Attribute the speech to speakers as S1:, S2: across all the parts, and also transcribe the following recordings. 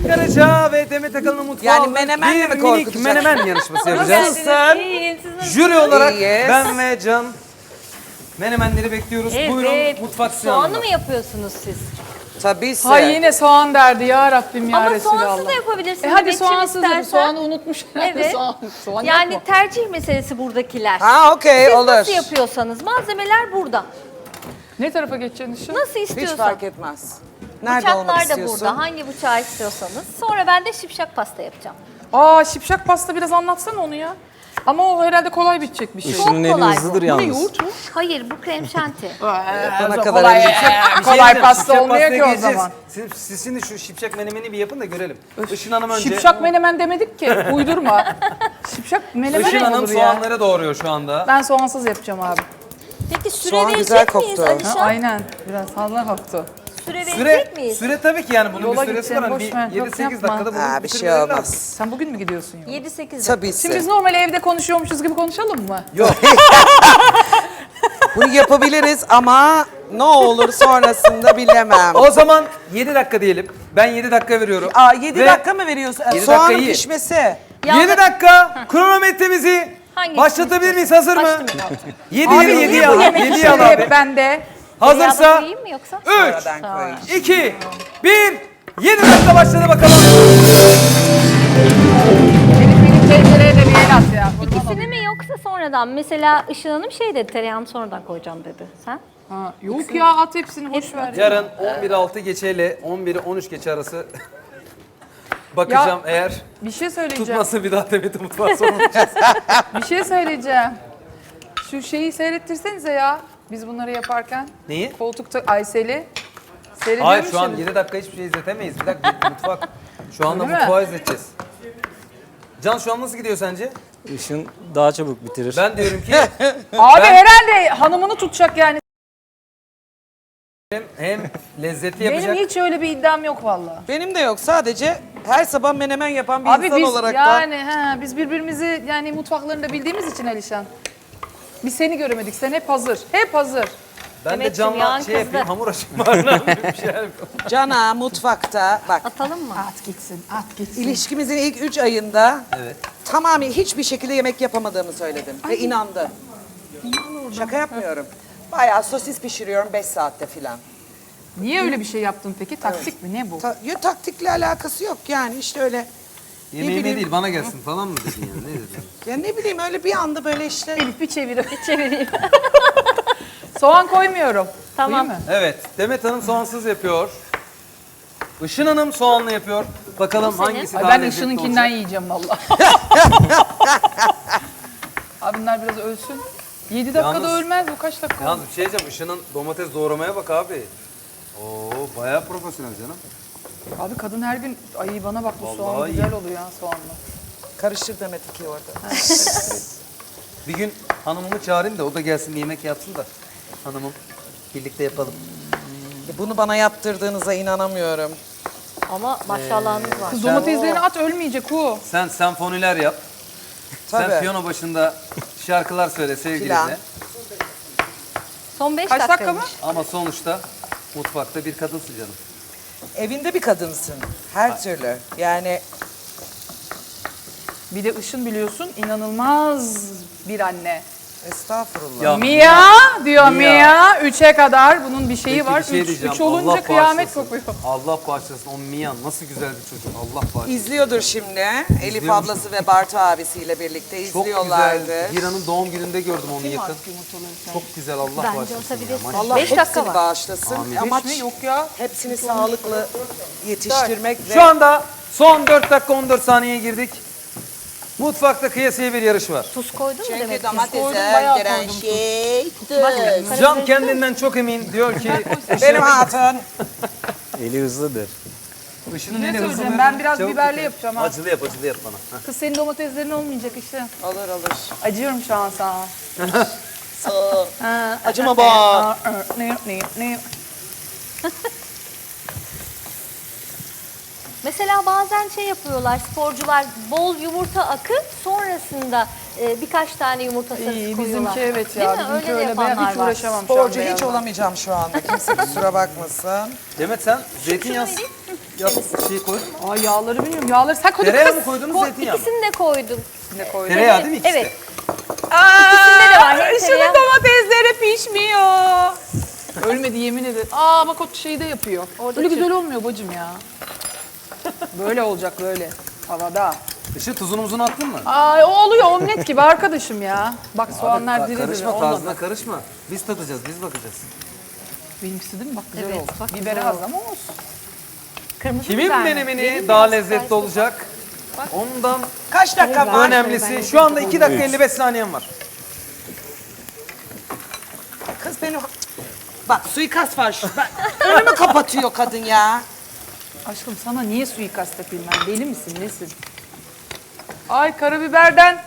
S1: Karaca ve Demet Akalın'ın mutfağı
S2: Yani menemenle mi
S1: bir minik
S2: korkutacak?
S1: menemen yarışması yapacağız.
S2: Nasılsın?
S3: İyiyim, siz nasılsınız?
S1: Jüri olarak
S2: İyiyiz.
S1: ben ve Can menemenleri bekliyoruz. Buyurun mutfak
S3: Soğanlı
S1: sıranında.
S3: mı yapıyorsunuz siz?
S2: Tabii ki.
S4: Hay yine soğan derdi ya Rabbim ya
S3: Ama
S4: Resulallah.
S3: soğansız da yapabilirsiniz.
S4: Hadi
S3: Demetciğim,
S4: soğansız
S3: istersen.
S4: yap. Soğanı unutmuş.
S3: Evet.
S4: soğan
S3: Yani
S4: yapma.
S3: tercih meselesi buradakiler.
S2: Ha okey
S3: Siz
S2: olur.
S3: nasıl yapıyorsanız malzemeler burada.
S4: Ne tarafa geçeceksin işi?
S3: Nasıl
S2: Hiç
S3: istiyorsan.
S2: fark etmez. Nerede olmak
S3: Bıçaklar da
S2: istiyorsun?
S3: burada. Hangi bıçağı istiyorsanız. Sonra ben de şipşak pasta yapacağım.
S4: Aa şipşak pasta biraz anlatsana onu ya. Ama o herhalde kolay bitecek bir şey.
S3: Çok kolay bu.
S4: Bu ne yoğurt mu?
S3: Hayır bu krem şanti.
S2: Bana kadar
S4: kolay,
S2: önce-
S1: Bir şey
S4: kolay
S1: diyeceğim,
S4: pasta
S1: şipşak
S4: olmuyor
S1: pastaya
S4: ki o
S1: geleceğiz.
S4: zaman.
S1: Siz şimdi şu şipşak menemeni bir yapın da görelim. Işın Hanım önce.
S4: Şipşak menemen demedik ki. Uydurma. Şipşak menemen
S1: Işın
S4: mi
S1: Hanım
S4: olur ya?
S1: soğanları doğruyor şu anda.
S4: Ben soğansız yapacağım abi.
S3: Peki süre
S2: Soğan güzel
S3: verecek miyiz
S2: koktu.
S3: Alişan?
S4: Aynen. Biraz fazla koktu.
S3: Süre verecek
S1: Süre,
S3: miyiz?
S1: süre tabii ki yani bunun
S4: Yola
S1: bir süresi var.
S4: gideceğim,
S1: Hani
S4: boş ver.
S1: bir
S4: Yok,
S1: 7-8
S4: yapma.
S1: dakikada bunu
S2: Ha, bir şey
S1: bitirmeleri
S2: olmaz.
S1: lazım.
S4: Sen bugün mü gidiyorsun ya?
S3: 7-8
S2: Tabii
S4: Şimdi biz
S2: ki.
S4: normal evde konuşuyormuşuz gibi konuşalım mı?
S1: Yok.
S2: Bunu yapabiliriz ama ne olur sonrasında bilemem.
S1: O zaman 7 dakika diyelim. Ben 7 dakika veriyorum.
S2: Aa 7
S1: Ve
S2: dakika mı veriyorsun?
S1: 7
S2: Soğanın
S1: dakika iyi.
S2: pişmesi.
S1: 7 dakika kronometremizi
S3: Hangi
S1: başlatabilir miyiz? Hazır mı?
S3: Başlamayın.
S1: 7
S4: Abi
S1: 7
S4: niye
S1: 7
S4: bu
S1: al.
S4: yemek
S1: 7 al
S4: işleri
S1: abi.
S4: hep bende?
S1: Hazırsa
S3: Tereyağını koyayım mı yoksa?
S1: 3
S2: Sonradan koyayım.
S1: 2 1 7 dakika başladı bakalım.
S4: Benim tencereye de bir el at ya.
S3: İkisini mi yoksa sonradan? Mesela Işıl Hanım şey dedi, tereyağını sonradan koyacağım dedi. Sen?
S4: Ha, yok ya at hepsini boş ver.
S1: Yarın 11.06 geçe ile 11'i 13 geçe arası bakacağım eğer
S4: Bir şey söyleyeceğim.
S1: tutmasa bir daha Demet'in mutfağı sorulacağız.
S4: Bir şey söyleyeceğim. Şu şeyi seyrettirsenize ya. Biz bunları yaparken.
S1: Neyi?
S4: Koltukta Aysel'i. Seyrediyor
S1: Hayır şu an
S4: musunuz?
S1: 7 dakika hiçbir şey izletemeyiz. Bir dakika mutfak. Şu anda
S4: Öyle mi?
S1: mutfağı izleteceğiz. Can şu an nasıl gidiyor sence?
S5: Işın daha çabuk bitirir.
S1: Ben diyorum ki
S4: Abi
S1: Ben-
S4: herhalde hanımını tutacak yani.
S1: hem lezzetli
S4: Benim
S1: yapacak.
S4: hiç öyle bir iddiam yok vallahi.
S2: Benim de yok. Sadece her sabah menemen yapan bir
S4: Abi
S2: insan
S4: biz
S2: olarak da.
S4: yani biz birbirimizi yani mutfaklarında bildiğimiz için Alişan. Biz seni göremedik. Sen hep hazır. Hep hazır.
S1: Ben de
S3: Demetciğim,
S1: Can'la
S3: yağın
S1: şey
S3: kızdı.
S1: yapayım, hamur açayım var. Ne yapayım, bir şeyler yapayım.
S2: Cana mutfakta bak
S3: Atalım mı?
S4: At gitsin, at gitsin.
S2: ilişkimizin ilk 3 ayında
S1: Evet.
S2: tamamen hiçbir şekilde yemek yapamadığımı söyledim ve inandı. Şaka yapmıyorum. Bayağı sosis pişiriyorum 5 saatte filan.
S4: Niye öyle bir şey yaptın peki? Taktik mi? Ne bu?
S2: Taktikle alakası yok yani işte öyle.
S1: Yemeğime
S2: bileyim.
S1: değil bana gelsin falan mı dedin yani? Ne dedin?
S2: Ya ne bileyim öyle bir anda böyle işte.
S4: Elif bir çevir.
S3: Çevireyim.
S4: Soğan koymuyorum.
S3: Tamam.
S4: Koyayım mı?
S1: Evet, Demet Hanım soğansız yapıyor. Işın Hanım soğanlı yapıyor. Bakalım
S3: Bu senin.
S1: hangisi
S4: Ay
S1: daha
S4: ben
S1: lezzetli
S4: Işın'ınkinden
S1: olacak.
S4: yiyeceğim vallahi. Abi bunlar biraz ölsün. 7 dakikada
S1: Yalnız-
S4: ölmez bu kaç dakika?
S1: Yalnız bir şey diyeceğim, Işın'ın domates doğramaya bak abi. Oo, bayağı profesyonel canım.
S4: Abi kadın her gün ay bana bak bu soğan
S1: Vallahi
S4: güzel
S1: iyi.
S4: oluyor ya soğanla.
S2: Karıştır Demet iki orada.
S1: Bir gün hanımımı çağırayım da o da gelsin bir yemek yapsın da hanımım birlikte yapalım.
S2: Bunu bana yaptırdığınıza inanamıyorum.
S3: Ama maşallahınız var.
S4: Kız domateslerini at ölmeyecek o.
S1: Sen senfoniler yap. Sen
S2: Tabii.
S1: piyano başında şarkılar söyle
S2: Filan.
S1: sevgilinle.
S3: Son 5
S4: Kaç dakika
S3: dakikaymış.
S4: mı?
S1: Ama sonuçta mutfakta bir kadınsın canım.
S2: Evinde bir kadınsın. Her türlü. Yani
S4: Bir de Işın biliyorsun inanılmaz bir anne.
S2: estağfurullah.
S1: Ya,
S4: Mia diyor
S1: Mia.
S4: Mia. 3'e kadar bunun bir şeyi
S1: peki
S4: var.
S1: bir şey
S4: 3
S1: diyeceğim.
S4: olunca
S1: Allah
S4: kıyamet
S1: bağışlasın.
S4: kopuyor.
S1: Allah bağışlasın. O Mian nasıl güzel bir çocuk. Allah bağışlasın.
S2: İzliyordur şimdi. Elif
S1: İzliyor musun?
S2: ablası ve Bartu abisiyle birlikte
S1: Çok
S2: izliyorlardı.
S1: güzel. Hira'nın doğum gününde gördüm onu yakın. Çok güzel Allah
S3: Bence
S1: bağışlasın. ya.
S3: atabilirsin.
S1: Maşallah.
S2: Allah
S3: 5 dakika
S2: hepsini
S3: var.
S2: bağışlasın.
S1: Amin.
S2: Amaç
S4: Hiç mi? Yok ya.
S2: hepsini sağlıklı yetiştirmek ve
S1: Şu anda son 4 dakika 14 saniyeye girdik. Mutfakta kıyasıya bir yarış var.
S3: Tuz koydun mu
S2: çünkü
S3: demek ki?
S2: domatese
S4: bayağı
S2: giren
S4: koydum.
S2: şey tuz.
S1: Can kendinden çok emin diyor ki
S2: Benim hatun.
S5: Eli hızlıdır.
S1: Işın'ın
S4: Ne
S1: eli hızlı.
S4: söyleyeceğim? Ben biraz
S1: Çabuk
S4: biberli
S1: bitir.
S4: yapacağım ha.
S1: Acılı yap bana.
S4: Kız senin domateslerin olmayacak işte.
S2: Olur olur.
S4: Acıyorum şu an sana.
S2: Acıma bak.
S4: Ne?
S3: Mesela bazen şey yapıyorlar sporcular bol yumurta akı sonrasında birkaç tane yumurta sarısı
S4: İyi
S3: koyuyorlar.
S4: bizimki evet
S3: Değil
S4: ya.
S3: mi?
S4: Bizimki
S3: Öyle de
S4: öyle. Ben
S3: yapanlar
S4: hiç
S3: var.
S4: uğraşamam şu an
S2: Sporcu hiç
S4: beyazla.
S2: olamayacağım şu anda. Kimse kusura bakmasın.
S1: Demet sen zeytinyağı... şey koydun mu?
S4: Ay yağları bilmiyorum. Yağları sen koydun
S1: Tereyağı
S4: kız.
S1: mı koydunuz zeytinyağı mı?
S3: İkisini de koydum.
S4: Ne koydun?
S1: Tereyağı değil mi ikisi
S3: Evet.
S1: de?
S3: İkisinde de var. Hem
S4: Işıl'ın
S3: tereyağı-
S4: domatesleri pişmiyor. Ölmedi yemin ederim. Aa bak o şeyi de yapıyor.
S3: Orada
S4: Öyle
S3: Türk.
S4: güzel olmuyor bacım ya. Böyle olacak böyle. Havada.
S1: Işıl tuzunu muzunu attın mı?
S4: Ay o oluyor omlet gibi arkadaşım ya. Bak soğanlar
S1: Abi,
S4: diri diri
S1: karışma
S4: olmadı.
S1: tarzına karışma. Biz tadacağız, biz bakacağız.
S4: Benimkisi değil mi? Bak güzel
S3: Evet,
S4: oldu.
S3: bak
S4: Biberi
S3: güzel
S4: az
S3: oldu.
S4: ama olsun.
S3: Kırmızı
S1: Kimin
S3: biber mi?
S1: menemeni
S3: Benim
S1: daha
S3: biraz
S1: lezzetli
S3: karıştı.
S1: olacak? Ondan
S2: Kaç dakika var?
S1: önemlisi şu anda 2 dakika 55 saniyem var.
S2: Kız benim... Bak suikast var şu. Önümü kapatıyor kadın ya.
S4: Aşkım sana niye suikast yapayım ben? Deli misin nesin? Ay karabiberden.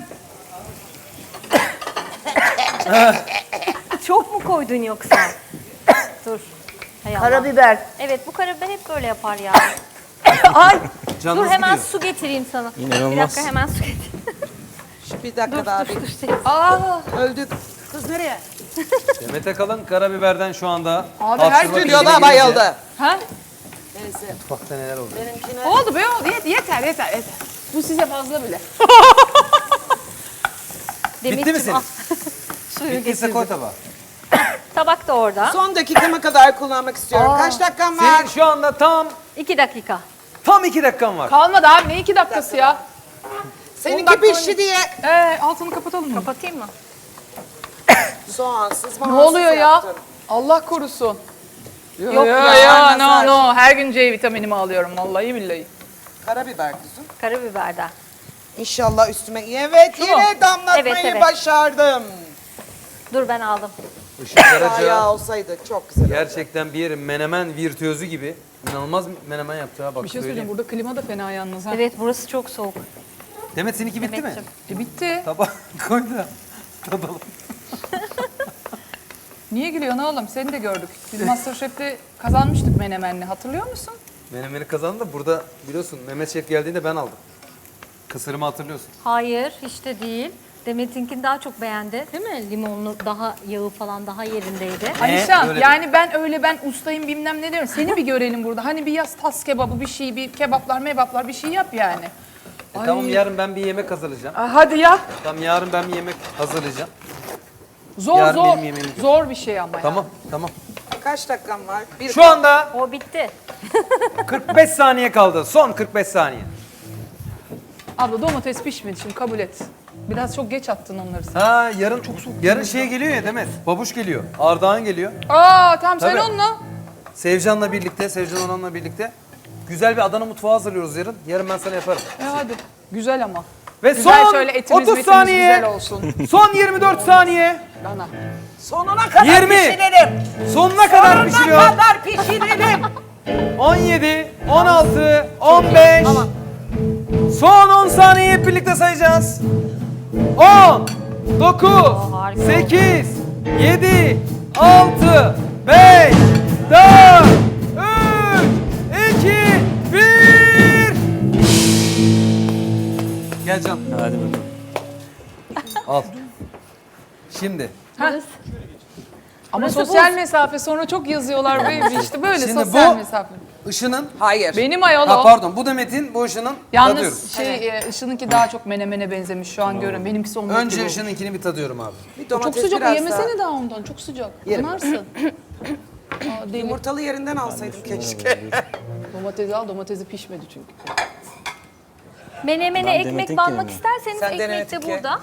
S3: Çok mu koydun yoksa? Dur. Hay Allah.
S4: Karabiber.
S3: Evet bu karabiber hep böyle yapar ya.
S4: Ay.
S1: Canınız
S3: Dur hemen
S1: gidiyor.
S3: su getireyim sana.
S5: İnanılmaz.
S3: Bir dakika hemen su getireyim.
S2: Şu bir dakika daha bir.
S4: Aa.
S2: Öldük. Kız nereye?
S1: Demet Akalın karabiberden şu anda
S4: Abi her
S1: hapşırma
S4: stüdyoda
S1: işine
S2: Stüdyoda
S1: girince
S2: bayıldı.
S4: Ha?
S2: Neyse.
S1: Mutfakta neler oldu?
S2: Benimkine...
S4: Oldu be oldu. Yeter yeter. Bu size fazla bile.
S3: Demetciğim,
S1: mi senin?
S3: al. Suyu
S1: Bittiyse
S3: getirdim.
S1: koy tabağa.
S3: Tabak da orada.
S2: Son dakikama kadar kullanmak istiyorum. Kaç dakikam var?
S1: Senin şu anda tam
S3: 2 dakika.
S1: 2 dakikan var.
S4: Kalmadı abi ne 2 dakikası ya?
S2: Seninki pişti diye.
S4: Altını kapatalım mı?
S3: Kapatayım mı?
S2: Soğansız
S4: Ne
S2: mamansız
S4: oluyor ya?
S2: yaptım.
S4: Allah korusun. Yok
S2: ya,
S4: ya no
S2: nazar.
S4: no her gün C vitaminimi alıyorum vallahi billahi.
S2: Karabiber kızım.
S3: Karabiberden.
S2: İnşallah üstüme... Evet
S4: Şu mu?
S2: yine damlatmayı
S3: Evet, evet.
S2: başardım.
S3: Dur ben aldım.
S1: Işıl
S2: Bayağı
S1: Karaca
S2: olsaydı çok güzel.
S1: gerçekten bir menemen virtüözü gibi. İnanılmaz menemen yaptı ha bak
S4: Bir şey
S1: söyleyeyim.
S4: söyleyeceğim burada klima da fena yalnız ha.
S3: Evet burası çok soğuk.
S1: Demet seninki bitti mi?
S3: Demetciğim.
S4: Bitti.
S1: Tabağa koy da tadalım.
S4: Niye gülüyorsun oğlum? Seni de gördük. Biz Masterchef'te kazanmıştık menemenli. Hatırlıyor musun?
S1: Menemeni kazandı da burada biliyorsun Mehmet Şef geldiğinde ben aldım. Kısırımı hatırlıyorsun.
S3: Hayır hiç de değil. Demet'inkini daha çok beğendi. Değil mi? Limonlu daha yağı falan daha yerindeydi.
S4: Alişan
S1: Öyle
S4: yani ben ustayım bilmem ne diyorum. Seni bir görelim burada. Hani bir yaz tas kebabı bir şey bir kebaplar mebaplar bir şey yap yani. Ay.
S1: Tamam yarın ben bir yemek hazırlayacağım.
S4: Hadi ya.
S1: Tamam yarın ben bir yemek hazırlayacağım.
S4: Zor
S1: Yarın
S4: zor.
S1: benim yemeğim yok.
S4: Zor bir şey ama ya.
S1: Tamam.
S2: Kaç dakikam var? Bir
S1: Şu anda
S3: O bitti.
S1: 45 saniye kaldı. Son 45 saniye.
S4: Abla domates pişmedi şimdi kabul et. Biraz çok geç attın onları sen.
S1: Ha yarın çok soğuk. Yarın şey geliyor ya Demet. Babuş geliyor. Ardahan geliyor.
S4: Tamam sen
S1: Tabii.
S4: onunla.
S1: Sevcan'la birlikte, Sevcan Onan'la birlikte güzel bir Adana mutfağı hazırlıyoruz yarın. Yarın ben sana yaparım.
S4: Hadi. Güzel ama.
S1: Ve
S4: Güzel
S1: son
S4: şöyle etimiz
S1: 30
S4: metimiz
S1: saniye.
S4: güzel olsun.
S1: Son 24 saniye.
S4: Bana.
S2: sonuna kadar
S1: 20.
S2: pişirelim.
S1: Sonuna kadar
S2: Sonuna
S1: pişiriyor.
S2: kadar pişirelim.
S1: 17, 16, 15. Son 10 saniye hep birlikte sayacağız. 10, 9,
S3: harika.
S1: 8, 7, 6, 5, 4, 3, 2, 1. Gel Can.
S5: Hadi bakalım.
S1: Al. Şimdi.
S4: Ama
S3: Burası
S4: sosyal mesafe sonra çok yazıyorlar böyle işte böyle
S1: Şimdi
S4: sosyal
S1: bu
S4: mesafe.
S1: Işının,
S2: Hayır.
S4: Benim ayol
S1: ha
S4: o.
S1: pardon bu Demet'in bu Işının tadıyoruz.
S4: Yalnız Işın'ınki daha çok menemene benzemiş şu an görün. Benimkisi omlet gibi
S1: Önce
S4: olmuş.
S1: Işın'ınkini bir tadıyorum abi.
S2: Bir
S4: Çok
S2: domates
S4: sıcak
S2: biraz
S4: yemesene daha ondan çok sıcak.
S1: Yerim.
S4: Yanarsın. Deli.
S2: Yumurtalı yerinden alsaydım keşke.
S4: Domatesi al domatesi pişmedi çünkü.
S3: Menemene
S5: Ben
S3: ekmek
S5: Demet'inkini
S3: banmak
S5: mi?
S3: isterseniz
S2: Sen
S3: ekmek de
S2: Demet'inki.
S3: burada.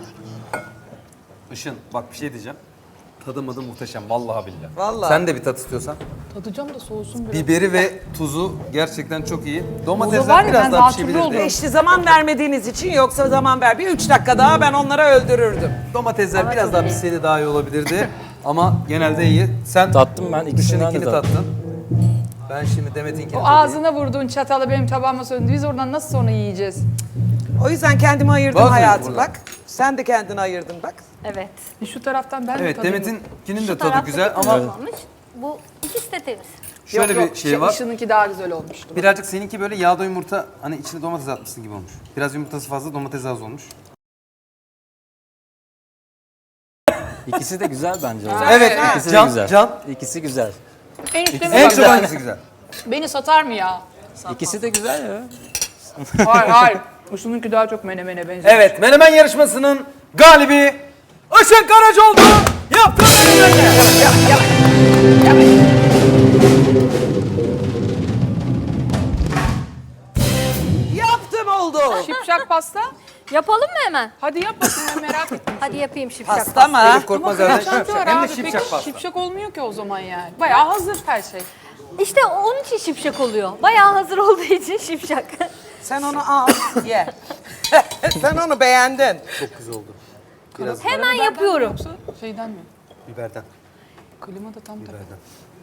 S1: Işın bak bir şey diyeceğim. Tadı muhteşem vallahi billahi.
S2: Vallahi.
S1: Sen de bir tat istiyorsan.
S4: Tadacağım da soğusun biraz.
S1: Biberi ve tuzu gerçekten çok iyi.
S4: Tuzu var
S1: Domatesler
S4: ya,
S1: biraz
S4: ben
S1: daha
S4: daha
S1: pişebilirdi.
S4: turlu
S2: İşte zaman vermediğiniz için yoksa zaman ver. Bir 3 dakika daha ben onları öldürürdüm.
S1: Domatesler biraz daha pişseydi daha iyi olabilirdi. Ama genelde iyi. Sen
S5: Tattım ben ikisinden de
S1: Işın'ınkini
S5: tattım.
S1: tattın. Ben şimdi Demet'inkini
S4: O
S1: tadayım.
S4: ağzına vurduğun çatalı benim tabağıma söndü. Biz oradan nasıl sonra yiyeceğiz?
S2: O yüzden kendimi ayırdım
S1: Bazı
S2: hayatım
S1: burada.
S2: bak. Sen de kendini ayırdın bak.
S3: Evet.
S4: Şu taraftan ben de
S1: Evet
S4: tadayım.
S1: Demet'inkinin de tadı
S3: Taraftaki
S1: güzel ama
S3: kızarmamış. Bu ikisi de temiz.
S1: şöyle bir şey var.
S4: Işın'ınki daha güzel olmuştu.
S1: Birazcık seninki böyle yağda yumurta hani içine domates atmışsın gibi olmuş. Biraz yumurtası fazla domates az olmuş.
S5: İkisi de güzel bence.
S1: Evet,
S5: İkisi de
S1: Can,
S5: güzel.
S1: Can.
S5: İkisi güzel.
S4: Enişte
S1: En çok hangisi güzel?
S4: beni satar mı ya?
S5: İkisi de güzel ya.
S4: Hayır. Işın'ınki daha çok menemene benziyor.
S1: Evet, menemen yarışmasının galibi Işın Karacaoğlu yaptı menemeni.
S2: Yaptım oldu.
S4: Şipşak pasta.
S3: Yapalım mı hemen?
S4: Hadi yap bakayım ben merak ettim.
S3: Hadi yapayım şipşak.
S2: Pasta mı?
S1: Elif Korkmaz evden
S4: Şipşak
S1: şipşak.
S4: var
S1: Hem de
S4: abi.
S1: şipşak
S4: Peki
S1: pasta.
S4: şipşak olmuyor ki o zaman yani. Bayağı hazır her şey.
S3: İşte onun için şipşak oluyor. Bayağı hazır olduğu için şipşak.
S2: Sen onu al, ye. Sen onu beğendin.
S1: Çok güzel oldu. Biraz
S3: Hemen yapıyorum.
S4: Yoksa şeyden mi?
S1: biberden.
S4: Klima da tam
S1: Biberden.